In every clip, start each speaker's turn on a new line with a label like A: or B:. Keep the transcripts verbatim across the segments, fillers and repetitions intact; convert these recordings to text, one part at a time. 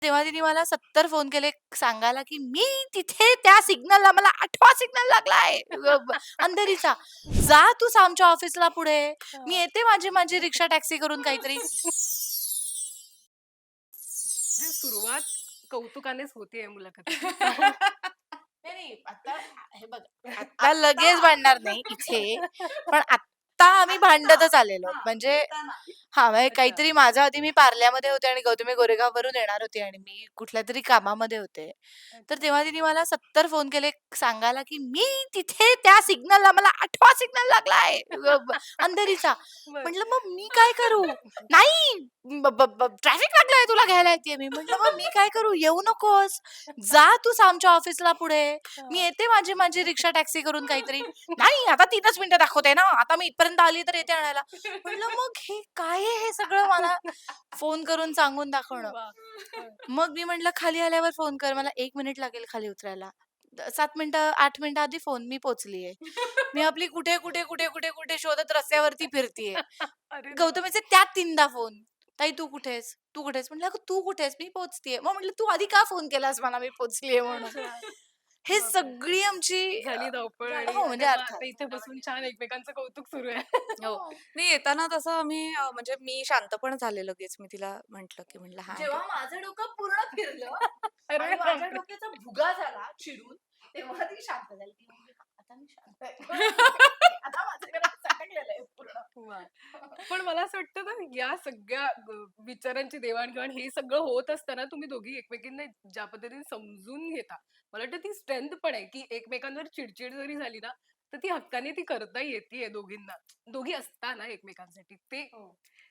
A: तेव्हा तिने मला सत्तर फोन केले सांगायला, की "मी तिथे त्या सिग्नलला मला आठवा सिग्नल लागलाय अ, ब अंधेरीचा. जा तू आमच्या ऑफिसला पुढे. मी
B: हां.
A: येते माझी माझी रिक्षा टॅक्सी करून काहीतरी."
B: म्हणजे सुरुवात कौतुकानेच होतीये मुलाखतीची.
A: नाही, नाही. आता हे बघ, आता लगेच भांडणार नाही इथे. पण आत्ता आम्ही भांडतच आलेलो. म्हणजे हां, म्हणजे
B: अच्छा.
A: काहीतरी माझ्या आधी मी पार्ल्यामध्ये होते आणि गौतमी गोरेगाववरून येणार होती आणि मी कुठल्यातरी कामामध्ये होते. तर
B: अच्छा.
A: तेव्हा तिने मला सत्तर फोन केले सांगायला, की "मी तिथे त्या सिग्नलला मला आठवा सिग्नल लागलाय अ, ब अंधेरीचा."
B: बरं.
A: म्हटलं, "मग मी काय करू?" "नाही, ब ब ब ट्रॅफिक लागलाय तुला घ्यायला येतेय मी." म्हटलं, "मग मी काय करू? येऊ नकोस. जा तूच आमच्या ऑफिसला पुढे. मी
B: हां.
A: येते माझी माझी रिक्षा टॅक्सी करून काहीतरी." "नाही, आता तीनच मिनिटं दाखवते ना. आता मी इथपर्यंत आली तर येते आणायला." म्हटलं, "मग हे काय आहे हे सगळं मला फोन करून सांगून दाखवणं?"
B: वाह! हं.
A: मग मी म्हटलं, "खाली आल्यावर फोन कर. मला एक मिनिट लागेल खाली उतरायला." द सात मिनिटं, आठ मिनिटं आधी फोन, "मी पोहोचलीये." मी आपली कुठे, कुठे, कुठे, कुठे, कुठे शोधत रस्त्यावरती फिरतीये.
B: अरे देवा!
A: गौतमीचे त्यात तीनदा फोन. "ताई तू कुठे आहेस? तू कुठे आहेस?" म्हटलं, "अगं तू कुठे आहेस? मी पोहोचतीये." मग म्हटलं, "तू आधी का फोन केलास मला मी पोहोचलीये म्हणून?"
B: अच्छा.
A: हे
B: बापरे!
A: सगळी आमची अ,
B: झाली धावपळ
A: झालं
B: आणि
A: हो, म्हणजे
B: आता मग
A: अर्थात.
B: आता इथे बसून छान एकमेकांचं कौतुक सुरू आहे.
C: हो.
A: हो.
C: नाही येताना तसं आम्ही अ, म्हणजे मी शांत पण झाले लगेच. मी तिला म्हटलं, की म्हटलं, "हां, ठीक."
A: जेव्हा माझं डोकं पूर्ण फिरलं
B: अरे
A: आणि माझ्या
B: बापरे!
A: डोक्याचा भुगा झाला चिडून, तेव्हा ती शांत झाली. ती म्हणाली, "आता मी शांत आहे." आता माझं घरात सटकलेलं आहे पूर्ण.
B: वाह! पण मला असं वाटतं ना, या सगळ्या ग विचारांची देवाण-घेवाण हे सगळं होत असताना तुम्ही दोघी एकमेकींना ज्या पद्धतीने समजून घेता, मला वाटतं ती स्ट्रेंथ पण आहे, की एकमेकांवर चिड-चिड जरी झाली ना, तर ती हक्काने ती करता येतीये दोघींना. दोघी असताना एकमेकांसाठी. ते
A: हो.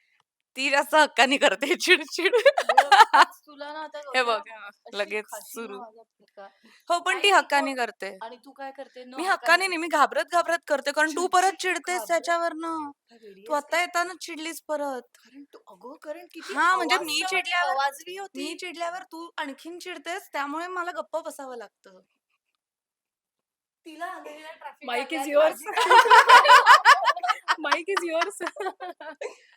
C: ती जास्त हक्काने करते चिड-चिड.
A: बघ आज तुला ना आता
C: हे
A: गौऱ्या
C: बघ हां,
A: अशी
C: लगेच
A: खाशील ना
C: सुरू.
A: माझ्या पिका
C: हो, पण ती
A: काही नाही
C: हक्काने
A: मग
C: करते.
A: आणि तू काय करते? न
C: मी हक्काने
A: हक्काने
C: नाही, मी घाबरत-घाबरत करते, कारण तू
A: चिड-चिड
C: परत चिडतेस
A: घाबरत
C: त्याच्यावरनं.
A: काय वेडी
C: तू
A: आहेस का
C: आता
A: तू?
C: येतानाच चिडलीस परत.
A: कारण तू अगं कारण किती
C: हां, म्हणजे मी
A: आवाजवाडी
C: चिडल्यावर
A: आवाजवी होती.
C: मी चिडल्यावर तू आणखीन चिडतेस, त्यामुळे मला गप्प बसावं लागतं.
A: तिला अंधेरीला ट्रॅफिक
B: माईक
A: लागलाय
B: इज
A: आणि
B: युअर्स.
A: माझी काय
B: माईक इज युअर्स.